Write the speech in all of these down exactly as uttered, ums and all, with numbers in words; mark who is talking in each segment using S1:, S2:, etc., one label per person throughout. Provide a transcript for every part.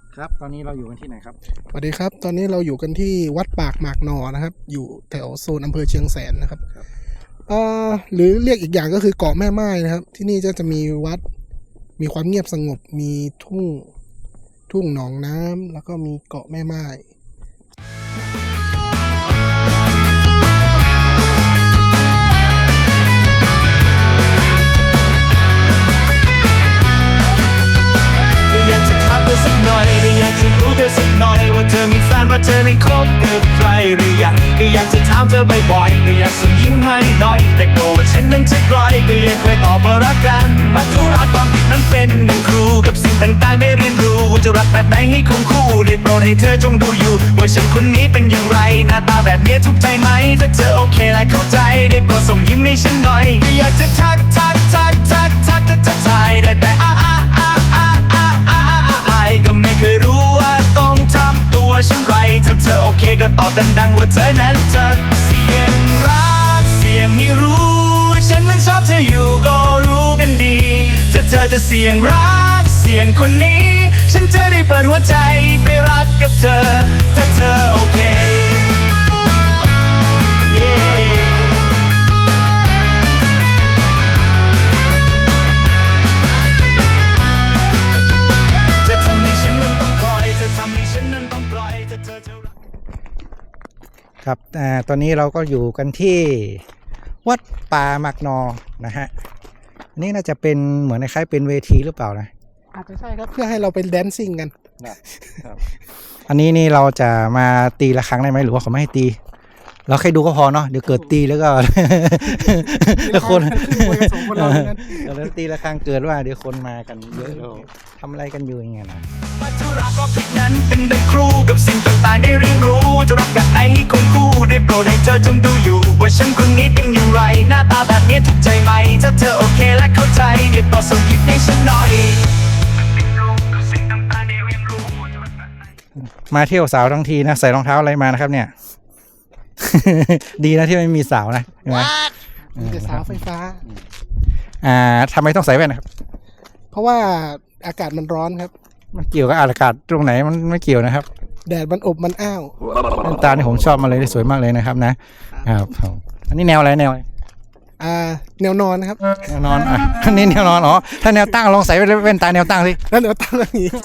S1: ครับตอนนี้เราอยู่กันที่ไหนครับ
S2: สวัสดีครับตอนนี้เราอยู่กันที่วัดปากหมากนอนะครับอยู่แถวโซนอำเภอเชียงแสนนะครับเอ่อหรือเรียกอีกอย่างก็คือเกาะแม่ไม้นะครับที่นี่จะจะมีวัดมีความเงียบสงบมีทุ่งทุ่งหนองน้ำแล้วก็มีเกาะแม่ไม้
S3: อยากจะทักเธอสักหน่อยอยากจะรู้เธอสักหน่อยว่าเธอมีแฟนว่าเธอได้คบกับใครหรือยังก็อยากจะถามเธอบ่อยๆก็อยากส่งยิ้มให้หน่อยแต่กลัวว่าฉันนั้นจะกลอยก็ยังเคยตอบว่ารักกันมาทุรักความผิดนั้นเป็นหนึ่งครูกับสิ่งต่างๆได้เรียนรู้ว่าจะรักแบบไหนให้คงคู่ได้โปรดให้เธอจงดูอยู่ว่าฉันคนนี้เป็นอย่างไรหน้าตาแบบนี้ถูกใจไหมถ้าเธอโอเคและเข้าใจได้โปรดส่งยิ้มให้ฉันหน่อยก็อยากจะทักทักทักทักทักทักทักทายได้แต่อ้าอ้าอ้าอ้าอ้าอ้าอ้าก็ไม่เคยรู้ว่าต้องทำตัวเช่นไรถ้าเธอโอเคก็ตอบดังๆว่าเธอนั้นจะเสียงรักเสียงให้รู้ฉันมันชอบเธออยู่ก็รู้กันดีถ้าเธอจะเสียงรักเสียงคนนี้ฉันจะได้เปิดหัวใจไปรักกับเธอถ้าเธอโอเค
S1: ครับอ่าตอนนี้เราก็อยู่กันที่วัดป่าหมากนอนะฮะอันนี้น่าจะเป็นเหมือนคล้ายๆเป็นเวทีหรือเปล่านะ
S2: อาจจะใช่ครับเพื่อให้เราไปแดนซิ่งกัน
S1: ครับอันนี้นี่เราจะมาตีละครั้งได้ไหมหรือว่าเขาไม่ให้ตีเราแค่ดูก็พอเนาะเดี๋ยวเกิดตีแล้วก็แล้วคนแล้วตีละครั้งเกิดว่าเดี๋ยวคนมากันเยอะเราทำอะไรกันอยู่อย่างเงี้ยนะ
S3: มาทุรักก็ผิดนั้นเป็นดังครูกับสิ่งต่างๆได้เรียนรู้จะรักแบบไหนให้คงคู่ได้โปรดให้เธอจงดูอยู่ว่าฉันคนนี้เป็นอย่างไรหน้าตาแบบนี้ถูกใจไหมถ้าเธอโอเคและเข้าใจได้โปรดส่งยิ้มให้ฉันหน่อย
S1: มาเที่ยวสาวทั้งทีนะใส่รองเท้าอะไรมานะครับเนี่ย ดีนะที่ไม่มีสาวนะใช่ไหม
S2: มีแต่สาวไฟฟ้า
S1: อ่าทำไมต้องใส่แว่นนะครับ
S2: เพราะว่าอากาศมันร้อนครับ
S1: มันเกี่ยวกับอากาศตรงไหนมันไม่เกี่ยวนะครับ
S2: แดดมันอบมันอ้าว
S1: ตาที่ผมชอบมาเลยสวยมากเลยนะครับนะครับอันนี้แนวอะไรแนว
S2: อ่าแนวนอนครับ
S1: แนวนอนอ่ะอันนี้แนวนอนอ๋อถ้าแนวตั้งลองใส่แว่นตาแนวตั้งสิ
S2: แล้วแนวตั้งอย่างนี้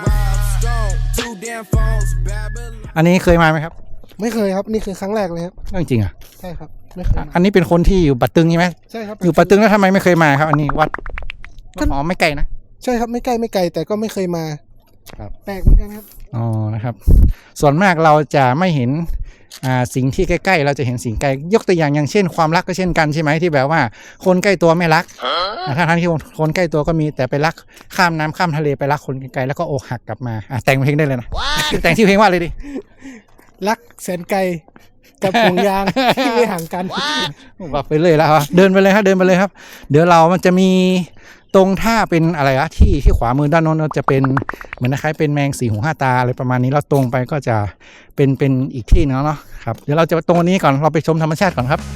S1: อันนี้เคยมาไหมครับ
S2: ไม่เคยครับนี่คือครั้งแรกเลยครับ
S1: จริงอ่ะ
S2: ใช่ครับไม่เคย
S1: อันนี้เป็นคนที่อยู่ปัตตึงใช่ไหม
S2: ใช่ครับ
S1: อยู่ปัตตึงแล้วทำไมไม่เคยมาครับอันนี้วัดอ๋อไม่ไกลนะ
S2: ใช่ครับไม่ใกล้ไม่ไกลแต่ก็ไม่เคยมา
S1: ครับ
S2: แปลกเหมือนกันครับ
S1: อ๋อนะครับส่วนมากเราจะไม่เห็นอ่าสิ่งที่ใกล้ๆเราจะเห็นสิ่งไกลยกตัวอย่างอย่างเช่นความรักก็เช่นกันใช่ไหมที่แบบว่าคนใกล้ตัวไม่รักถ้าทั้งที่คนใกล้ตัวก็มีแต่ไปรักข้ามน้ำข้ามทะเลไปรักคนไกลๆแล้วก็อกหักกลับมาอ่ะแต่งเพลงได้เลยนะแต่งที่เพลงว่าเลยดิ
S2: รักแสนไกลกับห่วงยางที่ไม่ห่างกัน
S1: บอกไปเลยแล้วเดินไปเลยครับเดินไปเลยครับเดี๋ยวเรามันจะมีตรงท่าเป็นอะไรอะที่ที่ขวามือด้านโน้นจะเป็นเหมือนคล้ายเป็นแมงสี่หูห้าตาอะไรประมาณนี้เราตรงไปก็จะเป็นเป็นอีกที่นึงเนาะครับเดี๋ยวเราจะตรงนี้ก่อนเราไปชมธรรมชาติก่อนครับ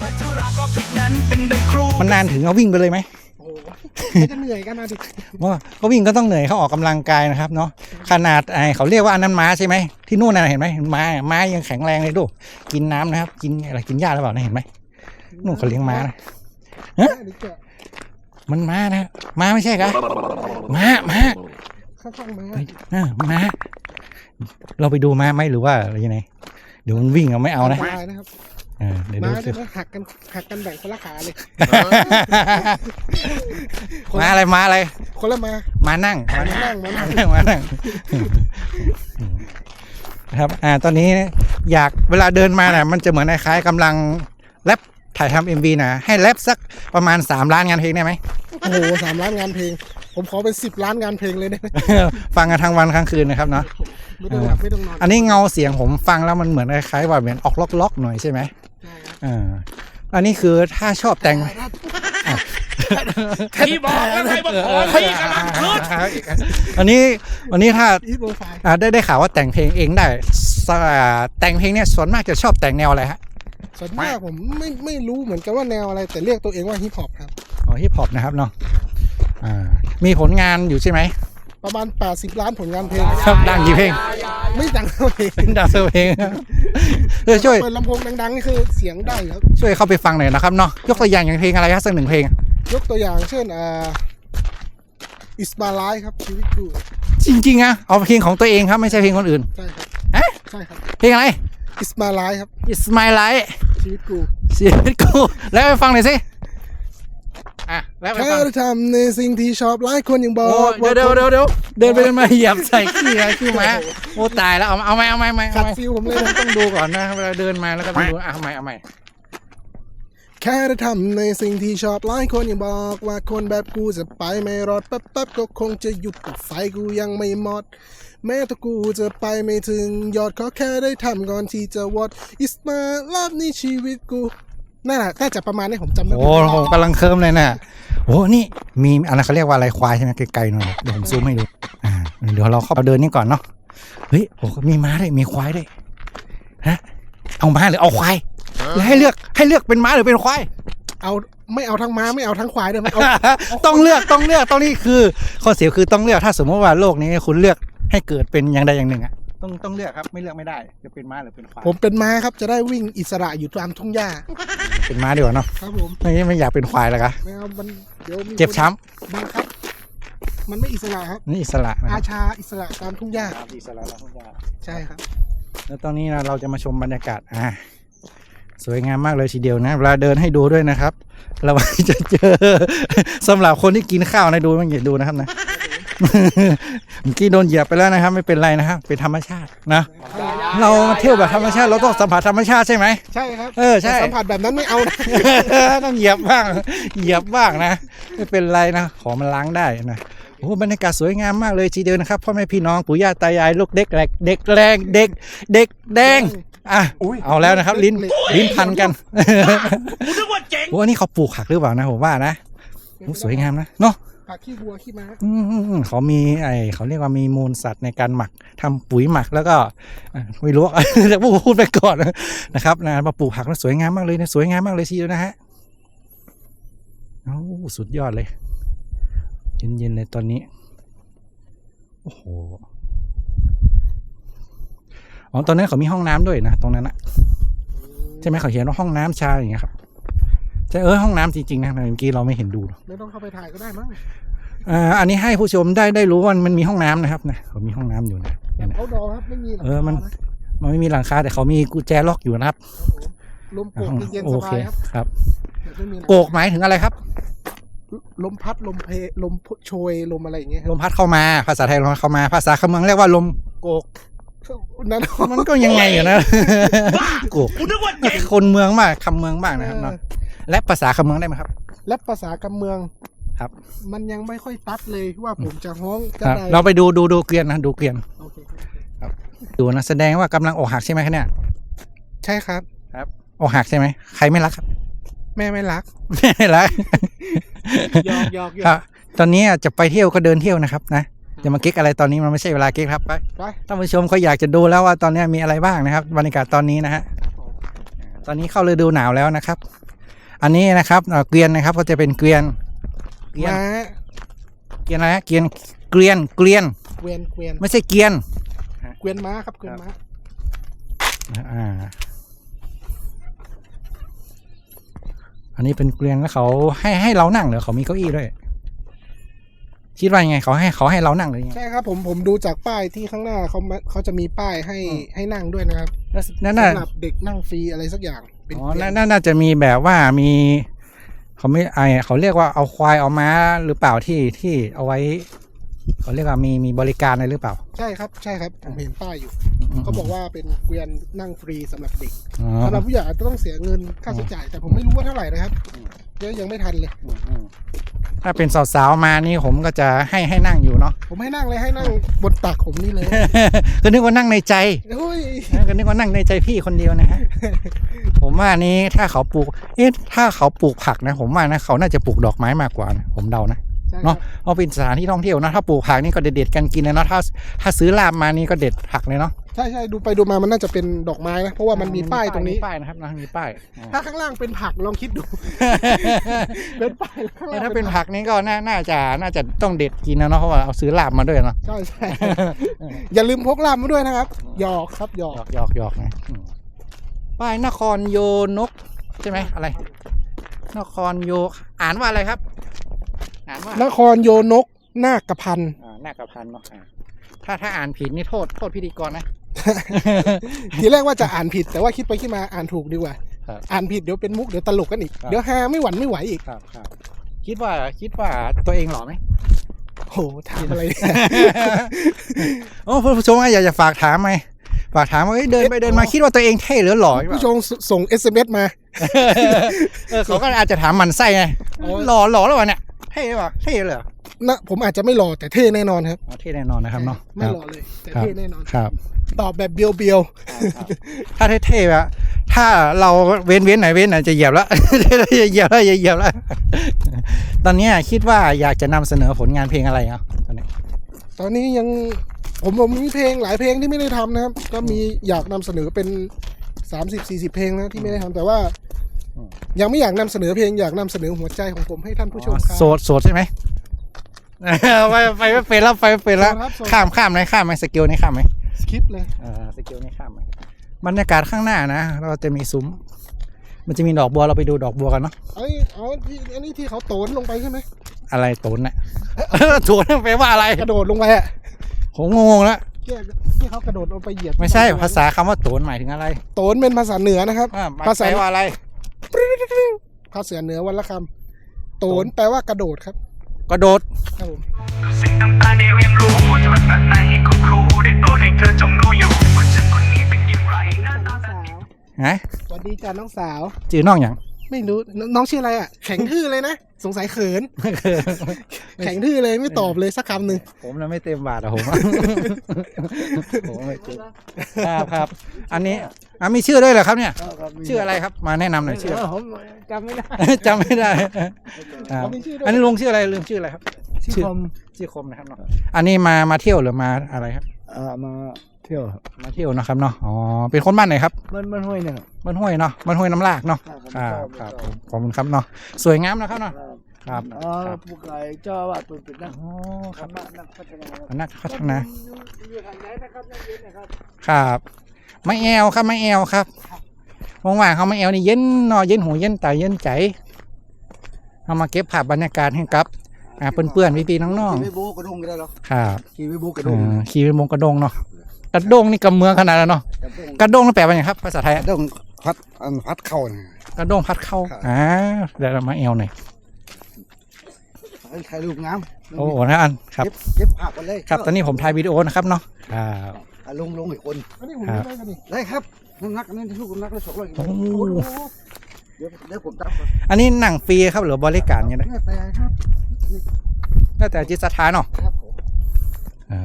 S1: มันนานถึงเราวิ่งไปเลยไหม
S2: โอ้จะเหนื่อยกันนะดิ
S1: ว่าเขาวิ่งก็ต้องเหนื่อยเขาออกกำลังกายนะครับเนาะขนาดไอเขาเรียกว่าอันนั้นม้าใช่ไหมที่นู่นน่ะเห็นไหมม้าม้ายังแข็งแรงเลยดูกินน้ำนะครับกินอะไรกินหญ้าหรือเปล่าเห็นไหมนู่นเขาเลี้ยงม้านะฮะมันม้านะม้าไม่ใช่ครับม้าม้า
S2: ข้างๆม้า
S1: อ่าม้าเราไปดูม้าไหมหรือว่าอะไรยังไงเดี๋ยวมันวิ่งเราไม่เอานะ
S2: เดี๋ยวม้าเนี่ยหักกันหักกันแบ่งคนละขาเลย
S1: ม้าอะไรม้าอะไร
S2: คนละม้า
S1: ม้านั่ง
S2: ม้านั่งม้านั่ง
S1: ม้านั่งครับอ่าตอนนี้อยากเวลาเดินมาเนี่ยมันจะเหมือนคล้ายๆกำลังแรปถ่ายทำ เอ็ม วี นะให้แรปสักประมาณสามล้านงานเพลงได้ไหม
S2: โอ้โหสามล้านงานเพลงผมขอเป็นสิบล้านงานเพลงเลยได้ไหม
S1: ฟังกันทั้งวันทั้งคืนนะครับเนาะ
S2: ไม่ต้องหลับไม่ต้องนอน
S1: อันนี้เงาเสียงผมฟังแล้วมันเหมือนคล้ายๆว่าเหมือนออกล็อกๆหน่อยใช่ไหมอ่าอันนี้คือถ้าชอบแต่ง
S3: ที่บอกแล้วไงบอกขอที่กำลังขึ้น
S1: อันนี้วันนี้ถ้าได้ได้ข่าวว่าแต่งเพลงเองได้แต่งเพลงเนี่ยส่วนมากจะชอบแต่งแนวอะไรฮะ
S2: ส่วนมากผมไม่ไม่รู้เหมือนกันว่าแนวอะไรแต่เรียกตัวเองว่าฮิปฮอปครับ
S1: อ๋อฮิปฮอปนะครับเนาะอ่ามีผลงานอยู่ใช่ไหม
S2: ประมาณแปดสิบล้านผลงานเพลง
S1: ครับดังกี่เพลง
S2: ไม่ดังเท่าเพลง
S1: ดังเท่าเพลงเออช่วย
S2: เปิดลำโพงดังๆนี่คือเสียงได้ครับ
S1: ช่วยเข้าไปฟังหน่อยนะครับเนาะยกตัวอย่างอย่างเพลงอะไรครับสักหนึ่งเพลง
S2: ยกตัวอย่างเช่นอ่า It's My Life ครับชีวิตกู
S1: จริงๆอะเอาเพลงของตัวเองครับไม่ใช่เพลงคนอื่น
S2: ใช่ครับ
S1: เอ๊ะ
S2: ใช่ครับ
S1: เพลงอะไร
S2: It's My Life ครับ
S1: It's My Life
S2: ชีวิตกู
S1: ชีวิตกูแล้วไปฟังหน่อยสิอ่ะแล้วไป
S2: แค่
S1: ฟัง
S2: ทำในสิ่งที่ชอบหลายคนยังบอ
S1: โอ้
S2: กว่า
S1: เดี๋ยวเดี๋ยวเดี๋ยวเดินไปเดินมาเหยียบใส่ขี้อะไรขี้หมาโอ้ตายแล้วเอาเอาไหมเอาไหมเอาไหม
S2: ขั
S1: เอา
S2: ด
S1: ไหม
S2: ฟิลผมเลย
S1: ต้อง
S2: นะ
S1: ต้องดูก่อนนะเวลาเดินมาแล้วก็ต้องดูอ่ะเอาไหมเอาไหม
S2: แค่ได้ทำในสิ่งที่ชอบหลายคนยังบอกว่าคนแบบกูจะไปไม่รอดแป๊บๆก็คงจะหยุดแต่ไฟกูยังไม่หมด แม้ถ้ากูจะไปไม่ถึงยอดขอแค่ได้ทำก่อนที่จะวอด It's my life นี่ชีวิตกูน่าน่าจะประมาณนี้ผมจำได้
S1: โอ้โหกำลังเคิร์มเลยน่ะโอ้นี่มีอะไรเขาเรียกว่าอะไรควายใช่ไหมไกลๆหน่อยเดี๋ยวผมซูมให้ดูอ่าเดี๋ยวเราเข้าเดินนี่ก่อนเนาะเฮ้ยโอ้มีม้าด้วยมีควายด้วยฮะเอาม้าหรือเอาควายแล้วให้เลือกให้เลือกเป็นม้าหรือเป็นควาย
S2: เอาไม่เอาทั้งม้าไม่เอาทั้งควายด้วยเอา
S1: ต้องเลือกต้องเลือกต้องนี่คือข้อเสียคือต้องเลือกถ้าสมมติว่าโลกนี้คุณเลือกให้เกิดเป็นอย่างใดอย่างหนึ่งอ่ะต้องต้องเลือกครับไม่เลือกไม่ได้จะเป็นม้าหรือเป็นควาย
S2: ผมเป็นม้าครับจะได้วิ่งอิสระอยู่ตามทุ่งหญ้า
S1: เป็นม้าดีกว่าเนาะ
S2: ครับผม
S1: ไม่ไม่อยากเป็นควายแล้วกะ
S2: ไม่เอามันเดี๋ยวมี
S1: เจ็บช้
S2: บังคับมันไม่อิสระครับ
S1: ำนี่อิสระนะค
S2: อา
S1: รับ
S2: ชาอิสระตามทุ่งหญ้า
S1: อิสระแล้วทุกอย่าง
S2: ใช่ครับ
S1: แล้วตอนนี้นะเราจะมาชมบรรยากาศอ่าสวยงามมากเลยทีเดียวนะเวลาเดินให้ดูด้วยนะครับเราจะเจอ สำหรับคนที่กินข้าวนะดูมันอย่าดูนะครับนะ เมื่อกี้โดนเหยียบไปแล้วนะครับ ไม่เป็นไรนะครับเป็นธรรมชาตินะ เรามาเที่ยวแบบธรรมชาติเราต้องสัมผัสธรรมชาติใช่ไหม
S2: ใช่ครับ
S1: เออใช่
S2: แต่สัมผัสแบบนั้นไม่เอานะ
S1: ต้องเหยียบบ้างเหยียบบ้างนะไม่เป็นไรนะขอมันล้างได้นะโอ้บรรยากาศสวยงามมากเลยทีเดียวนะครับพ่อแม่พี่น้องปู่ย่าตายายลูกเด็กแหลกเด็กแรงเด็กเด็กแดงอ่ะเอาแล้วนะครับ ลิ้นลิ้นพันกันโอ้อันนี้เขาปลูกผักหรือเปล่านะผมว่านะโอ้สวยงามนะเนาะ
S2: ผักขี้วัวขี้ม้า
S1: อืมเขามีไอเขาเรียกว่ามีมูลสัตว์ในการหมักทำปุ๋ยหมักแล้วก็อ่ะไม่รู้ แต่พูดไปก่อนนะครับนะมาปลูกผักแล้วสวยงามมากเลยนะสวยงามมากเลยทีเดียวนะฮะโอ้สุดยอดเลยเย็นๆเลยตอนนี้โอ้โหอ๋อตอนนั้นเขามีห้องน้ำด้วยนะตรงนั้นนะใช่ไหมเขาเขียนว่าห้องน้ำชายอย่างเงี้ยครับใช่เออห้องน้ำจริงๆนะเมื่อกี้เราไม่เห็นดู
S2: ไม่ต้องเข้าไปถ่ายก็ได้มั้ง
S1: อ่าอันนี้ให้ผู้ชมได้ได้รู้ว่ามันมีห้องน้ำนะครับนะเขามีห้องน้ำอยู่นะ
S2: แบบเอาดอครับไม่มีหลัง
S1: เออมัน
S2: คาะ
S1: มันไม่มีหลังคาแต่เขามีกุญแจล็อกอยู่นะครับ
S2: ลมโกกเย็น
S1: โอ
S2: ๆส
S1: เค
S2: บายครับ
S1: ครับ
S2: แบบไม่มีหลัง
S1: โกกหมายถึงอะไรครับ
S2: ลมพัดลมเพลมโชยลมอะไรอย่างเงี้ยค
S1: ล
S2: รับ
S1: มพัดเข้ามาภาษาไทยลมพัดเข้ามาภาษาคำเมืองเรียกว่าลมโกก
S2: นั่น
S1: มันก็ยังไงอยู่นะ โกกคนเมืองมากคำเมืองมากนะครับเนาะและภาษาคำเมืองได้ไหมครับ
S2: และภาษากำเมือง
S1: ครับ
S2: มันยังไม่ค่อยตัดเลยว่าผมจะฮ้องจะ
S1: ครับ
S2: ได้
S1: เราไปดูดูดูเกวียนนะดูเกวียน
S2: โอเค
S1: ดูนะแสดงว่ากำลังอกหักใช่ไหมคะเนี่ย
S2: ใช่ครับ
S1: ครับอกหักใช่ไหมใครไม่รักครับ
S2: แม่ไม่รัก
S1: ไม่รัก
S2: หยอกหยอกหย
S1: ค
S2: อ
S1: รับ
S2: ก
S1: ตอนนี้จะไปเที่ยวก็เดินเที่ยวนะครับนะจะมาเก๊กอะไรตอนนี้มันไม่ใช่เวลาเก๊กครับไป
S2: ไป
S1: ท่านผู้ชมเขาอยากจะดูแล้วว่าตอนนี้มีอะไรบ้างนะครับบรรยากาศตอนนี้นะฮะ
S2: ครับผม
S1: ตอนนี้เข้าฤดูหนาวแล้วนะครับ อันนี้นะครับเอ่อเกวียนนะครับก็จะเป็นเกวียนเกวียน
S2: ม้า
S1: เกวียนอะไรฮะเกวียนเกวียนเกวียน
S2: เกวียนเกวียน
S1: ไม่ใช่เกวียน
S2: เกวียนม้าครับเกวียนม้า
S1: อ่าอันนี้เป็นเกวียนแล้วเขาให้ให้เรานั่งเหรอเขามีเก้าอี้ด้วยคิดว่ายังไงเขาให้เขาให้เรานั่งหรือยังไง
S2: ใช่ครับผมผมดูจากป้ายที่ข้างหน้าเขามาเขาจะมีป้ายให้
S1: อืม
S2: ให้นั่งด้วยนะครับ
S1: แล้วนั่นน่ะ
S2: สำหรับเด็กนั่งฟรีอะไรสักอย่างเป็น
S1: อ๋อ
S2: เกวียน
S1: น่าน่าจะมีแบบว่ามีเขาไม่ไอเขาเรียกว่าเอาควายเอาม้าหรือเปล่าที่ที่เอาไว้เขาเรียกว่ามีมีบริการอะไรหรือเปล่า
S2: ใช่ครับใช่ครับผมเห็นป้ายอยู่เขาบอกว่าเป็นเกวียนนั่งฟรีสำหรับเด็ก
S1: อ๋อ
S2: สำหรับผู้ใหญ่อาจจะต้องเสียเงินค่าใช้จ่ายแต่ผมไม่รู้ว่าเท่าไหร่นะครับเดี๋ยวยังไม่ทันเลย
S1: อืมอืมถ้าเป็นสาวๆมานี่ผมก็จะให้ให้นั่งอยู่เนาะ
S2: ผมให้นั่งเลยให้นั่งบนตักผมนี่เลย
S1: ก็นึกว่านั่งในใจ
S2: โอ้ย
S1: นะก็นึกว่านั่งในใจพี่คนเดียวนะฮะ ผมว่านี้ถ้าเขาปลูกเอ๊ะถ้าเขาปลูกผักนะผมว่านะเขาน่าจะปลูกดอกไม้มากกว่านะผมเดานะ
S2: ใช่ครับ
S1: เนาะเอาเป็นสถานที่ท่องเที่ยวนะถ้าปลูกผักนี่ก็เด็ดๆกันกินเลยเนาะถ้าถ้าซื้อลาบมานี่ก็เด็ดผักเลยเนาะ
S2: ใช่ใช่ดูไปดูมามันน่าจะเป็นดอกไม้นะเพราะว่ามันมีป้ายตรงนี้
S1: มีป้ายนะครับนะมีป้ายอ่า
S2: ถ้าข้างล่างเป็นผักลองคิดดู เป็นป้ายข้าง
S1: เอ
S2: ล่า
S1: อง ถ้าเป็นผักนี่ก็น่าน่าจะน่าจะต้องเด็ดกินนะเนาะเพราะว่าเอาซื้อลาบมาด้วยเนาะ
S2: ใช่ใช่ อย่าลืมพกลาบมาด้วยนะครับหยอกครับหย
S1: ห
S2: อย ก
S1: อกหยอกหยอกนะอืมป้ายนครโยนกใช่ไหมอะไร นครโยอ่านว่าอะไรครับ อ่านว่าน
S2: ครโยนกนาคพันธ์
S1: อ่านาคพันธ์เนาะอ่าถ้าถ้าอ่านผิดนี่โทษโทษพิธีกรนะ
S2: ทีแรกว่าจะอ่านผิดแต่ว่าคิดไปคิดมาอ่านถูกดีกว่า
S1: ครับ
S2: อ่านผิดเดี๋ยวเป็นมุกเดี๋ยวตลกกันอีก
S1: ครับ
S2: เดี๋ยวฮาไม่หวั่นไม่ไหวอีก
S1: ครับครับคิดว่าคิดว่าตัวเองหล่อไหม
S2: โหถามอะไร
S1: โอ้ผู้ชมอยากจะฝากถามไหมฝากถามว่าเอ้ยเดินไปเดินมาคิดว่าตัวเองเท่หรือหล่อหรือเปล่า
S2: ผู้ชมส่ง เอส เอ็ม เอส มา
S1: เออเขาก็อาจจะถามหมันไส้ไง
S2: โอ้ย
S1: หล่อหล่อแล้ววะเนี่ยเท่หรือเปล่าเท่เลยเหรอ
S2: นะผมอาจจะไม่หล่อแต่เท่แน่นอนครับ
S1: อ๋อเท่แน่นอนนะครับเนาะ
S2: ไม่หล่อเลยแต่
S1: ครับ
S2: เท่แน่นอน
S1: ครับ
S2: ตอบแบบเบียวเบียว
S1: ถ้าเท่ๆแบบถ้าเราเว้นเว้นไหนเว้นไหนจะเหยียบแล้ว จะเหยียบแล้วจะเหยียบแล้ว ตอนนี้คิดว่าอยากจะนำเสนอผลงานเพลงอะไรอ่ะตอนนี้
S2: ตอนนี้ยังผมผมมีเพลงหลายเพลงที่ไม่ได้ทำนะครับ ก็มีอยากนำเสนอเป็นสามสิบสี่สิบเพลงนะที่ไม่ได้ทำแต่ว่า ยังไม่อยากนำเสนอเพลงอยากนำเสนอหัวใจของผมให้ท่านผู้ชมครับ
S1: โสดโสดใช่ไหม ไปไปไม่เป็นแล้วไปไม่เป็นแล้ว
S2: โสดครับโสด
S1: ข้ามข้ามไหมข้ามไหมสกิลนี้ข้ามไหม
S2: สคริปต์เลย
S1: เออสกิลนี้ข้ามไหมบรรยากาศข้างหน้านะเราจะมีซุ้มมันจะมีดอกบัวเราไปดูดอกบัวกันเนาะ
S2: ไอ้อ๋อที่อันนี้ที่เขาโตนลงไปใช่ไหม
S1: อะไรโตนน่ะ โตนแปลว่าอะไร
S2: กระโดดลงไปอ่ะ
S1: ผมงงแล้ว
S2: ที่ที่เขากระโดดลงไปเหยียบ
S1: ไม่ใช่ภาษาคำว่าโตนหมายถึงอะไร
S2: โตนเป็นภาษาเหนือนะครับ
S1: อ่า
S2: ภาษา
S1: แปลว่าอะไร
S2: ภาษาเหนือวันละคำโตนแปลว่ากระโดดครับ
S1: กระโดด
S2: ครับผม
S3: สิ่งต่างๆได้เรียนรู้จะเป็นแบบไหนก็ครูได้โปรดให้เธอจงรู้อยู่ว่าฉันคนนี้เป็นอย่างไรหน้าตาแบบ
S1: ฮะ
S2: สวัสดีจ้าน้องสาว
S1: จือน้องอย่าง
S2: ไม่รู้นน้องชื่ออะไรอ่ะ แข็งทื่อเลยนะ สงสัยเขิน แข็งทื่อเลยไม่ตอบเลยสักคำหนึ่ง
S1: ผมน่ะไม่เต็มบาทอะผม ผมไม่เต็มครับครับ อันนี้อ่ะมีชื่อด้วยเหรอครับเนี่ย ชื่ออะไรครับมาแนะนำหน่อยชื่อ
S2: ผมจำไม่ได้
S1: จำไม่ได้ครับ
S2: เขามีชื่อด้วย
S1: อันนี้ลุงชื่ออะไรลุงชื่ออะไรครับ
S2: ชื่อคม
S1: ชื่อคมนะครับเนาะอันนี้มามาเที่ยวหรือมาอะไรครับ
S4: เอ่อมาเที่ยวครับ
S1: มาเที่ยวนะครับเนาะอ๋อเป็นคนบ้านไหนครับ
S4: มันมันห้วยเนี่ยครับ
S1: บ้านห้วยเนาะบ้านห้วยน้ำลากเนาะค
S4: ครั
S1: รับบ ครับผมขอบคุณครับเนาะสวยงามนะครับเนาะครับ
S4: เอ่อ
S1: ครับ
S4: ผู้ไก่เจ้าอาวาดเป็นเป็นนัก
S1: อ๋อครับ
S4: นักนักพัฒนาครับ
S1: นักพัฒนา
S4: อยู่ทางไหนนะครับนักเรียนนะครับ
S1: ครับไม่แอวครับไม่แอวครับว่างๆเขาไม่แอวนี่เย็นเนอเย็นหูเย็นตาเย็นใจเอามาเก็บภาพบรรยากาศให้กับอ่าเพื่อนๆพี่ๆน้อง
S4: ขี่ไปโบกกระดงก็ได้หรอ
S1: ๆครับ
S4: ขี่ไปโบกกระด
S1: เอง อขี่ไปมงกระดงเนาะ
S4: ครับ
S1: กระดงนี่กำเมืองขนาดนั้นเนาะ
S4: กระดง
S1: กระดงนั่นแปลว่าไงครับภาษาไทย
S4: กระดงพัดอันพัดเข้าเนี่ย
S1: กระดงพัดเข้า
S4: ครับ
S1: อ่าเดี๋ยวเรามาแอวหน่อย
S4: ให้ถ่ายรูปงาม
S1: โอ้โหนะอันครับ
S4: เก็บเก็บภาพกันเลย
S1: ครับตอนนี้ผมถ่ายวิดีโอนะครับเนาะครับ
S4: อ่ะลงลงอีกคน
S2: อันนี้ผม
S1: ครับ
S2: ไม่ได้กันนี่
S4: ได้ครับน้ำหนักอันนี้ลูกน้ำหนักได้สองร้อยกิโล
S1: โอ้
S2: โอ้โห
S4: เดี๋ยวเดี๋ยวผมตับก่อน
S1: อันนี้หนังฟรีครับหรือบริการยังไง
S4: เนี่ยแต่ครับ
S1: แล้วแต่จิตศรัทธาเนาะ
S4: ครับผม
S1: ครับ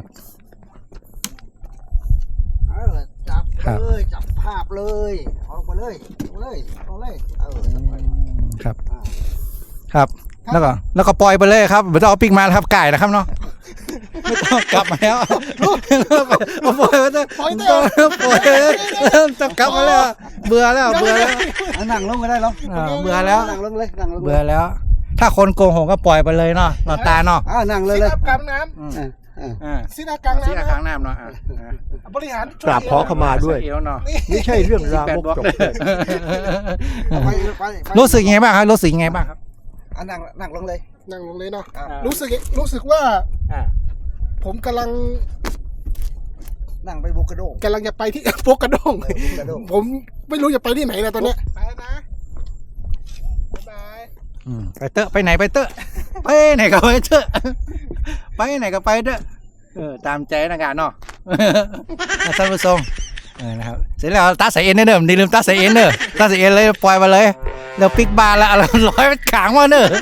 S4: เออจับ
S1: ครับ
S4: เลยจับภาพเลยเอาไปเลยเอาเลยเอาเลยเออจับไป
S1: ครับ ครับ แล้วก็แล้วก็ปล่อยไปเลยครับไม่ต้องเอาปิกมาแล้วครับไก่นะครับเนาะไม่ต้องกลับมาแล้วเอาปล่อยไปเถอะ
S2: ปล่อยเถ
S1: ต้อ
S2: อะ
S1: งปล่อยต้องกลับมาแล้วเบื่อแล้วเบื่อแล้ว
S4: เอานั่งลงก็ได้หรอ
S1: อ่าเบื่อแล้ว
S4: นั่งลงเลยนั่งลงลย
S1: เบื่อแล้ว ถ้าคนโกงหงก็ปล่อยไปเลยเนาะนอนตาเนาะ
S4: อ่านั่งเลย
S2: ซิ
S4: เลย
S2: ดากลางน้
S1: อืม
S4: อ่าอ่า
S1: อ่า
S2: ำซิดากลาง
S1: ที่
S2: น้ำ
S1: อา
S2: นะค
S1: ค้า
S2: รับ
S1: งน้ำเนาะอ่าอ่า
S2: บริหาร
S5: กราบขอขมาด้วย
S1: เอวเนาะ
S5: ไม่ใช่เรื่องรามกจบเลย
S4: ไปไปไป
S1: รู้สึกยังไงบ้างครับรู้สึกยังไงบ้างครับ
S4: อ่านั่งนั่งลงเลย
S2: นั่งลงเลยเนาะ
S4: อ่า
S2: รู้สึกรู้สึกว่า
S1: อ่า
S2: ผมกำลัง
S4: นั่งไปบุกกระโดง
S2: กำลังจะไปที่ โปกกระดง
S4: เออบุกกระโดง
S2: ผมไม่รู้จะไปที่ไหนนะตอนเนี้ยไปแล้วนะบ๊ายบาย
S1: อืมไปเตอะไปไหนไปเตอะไปไหนก็ไปเตอะไปไหนก็ไปเตอะเออตามใจนะการเนาะ ท่านผู้ชมเออนะครับเสร็จแล้วตาใส่เอ็นเด้ออย่าลืมตาใส่เอ็นเด้อตาใส่เอ็นเลยปล่อยมาเลยเดี๋ยวปิกบานแล้วเอาร้อยมันขางมาเด้อ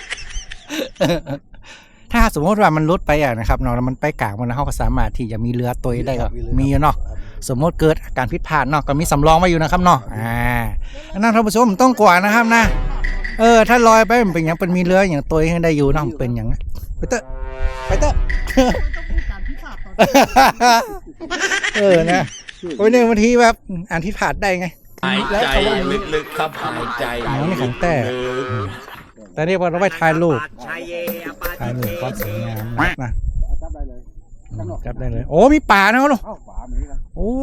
S1: ถ้าสมมติว่ามันลดไปอ่ะนะครับเนาะแล้วมันไปกลางมันเขาก็สามารถที่จะมีเรือตัวได้ก็มีอยู่เนาะสมมติเกิดอาการผิดพลาดเนาะก็มีสำรองไว้อยู่นะครับเนาะอ่าอันนั้นท่านผู้ชมต้องกว่านะครับนะเออถ้าลอยไปมันเป็นอย่างเป็นมีเรืออย่างตัวให้ได้อยู่เนาะมันเป็นอย่างนั้นไปเตอะไปเตอะ
S2: การพิพากษา
S1: เออนะโอ้ยเนี่ยบางทีแบบอ่านที่ผาดได้ไง
S3: หายใจลึกๆครับหายใจ
S1: อ๋อนี่ของแต่ แต่นี่พอเราไปถ่ายรูปถ่ายรูปก็สวยงามนะ
S4: จับได้เลย
S1: อืมจับได้เลย โอ้มีป่านะลูก
S4: เอ้าฝามีแล้ว
S1: โอ้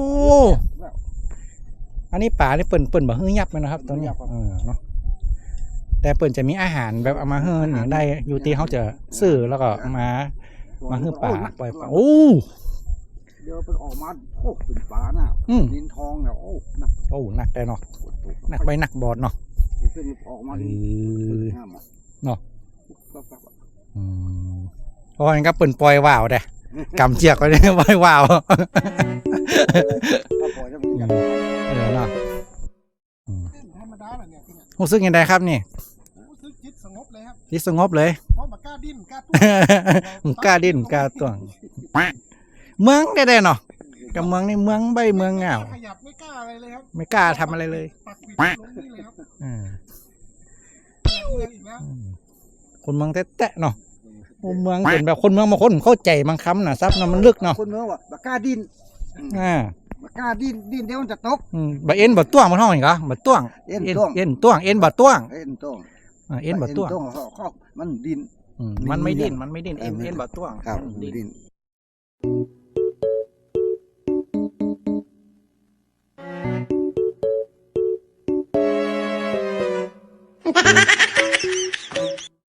S1: อันนี้ป่านี่เปิ่นเปิ่นแบบฮื้อยับเลยนะครับตอนนี้เออเนาะแต่เปิ่นจะมีอาหารแบบเอามาเฮื้ออย่างได้อยู่ที่เขาจะซื้อแล้วก็มามาฮื้อป่าปล่อยป่าโอ้
S4: เดี๋ยวเป็นออกมาโอ้เป็นฝาน่ะ
S1: อืม
S4: ดินทองเนี่ยโอ้หนัก
S1: โอ้หนักได้เนาะหนักไปหนักบอดเนาะ
S4: ขึ้นออกมา
S1: เอ
S4: ดิ
S1: อ
S4: ห้ามอ่ะ
S1: เนาะ
S4: ปั๊บๆอ่ะ
S1: อืมเพราะงั้นก็เปิ่นปล่อยว่าวเด้กำเจียกไว้เนี่ยปล่อยว่าว
S4: ถ้าปล่อยจะเป็นอย่าง
S1: เออเนาะ
S2: ธรรมดาแหละเนี่ยที่เนี่ย
S1: รู้สึกยังไงครับนี่
S2: รู้สึกจิตสงบเลยครับ
S1: ที่สงบเลย
S2: เพราะมันกล้าดิ้นกล้าตุ้
S1: มึงกล้าดิ้นกล้าตัวงเมืองได้ได้เนาะกับเมืองนี่เมืองใบเมืองเหงา
S2: ขยับไม่กล้าอะไรเลยครับ
S1: ไม่กล้าทำอะไรเลย
S2: ปักปิดลงนี่เลยครับ
S1: อืม
S2: เมืองอีกแล้ว
S1: คนเมืองแตะๆเนาะโอ้เมืองเป็นแบบคนเมืองบางคนเข้าใจบางคำนะซับเนาะมันลึกเนาะ
S4: คนเมืองว่าบักกล้าดิ้น
S1: อ่า
S4: บักกล้าดิ้นดิ้นเดี๋ยวมันจะตก
S1: อืมบะเอ็นบะต้วงมันห้องอีกเหรอบะต้วง
S4: เอ็นต้วง
S1: เอ็นต้วงเอ็นบะต้วง
S4: เอ็นต้วง
S1: อ่าเอ็นบะต้วง
S4: เอ็นต้วงเขาเขามันดิ้น
S1: อืมมันไม่ดิ้นมันไม่ดิ้นเอ็นเอ็นบะต้วง
S4: ครับ
S1: มันดิ้น
S4: ดิ้น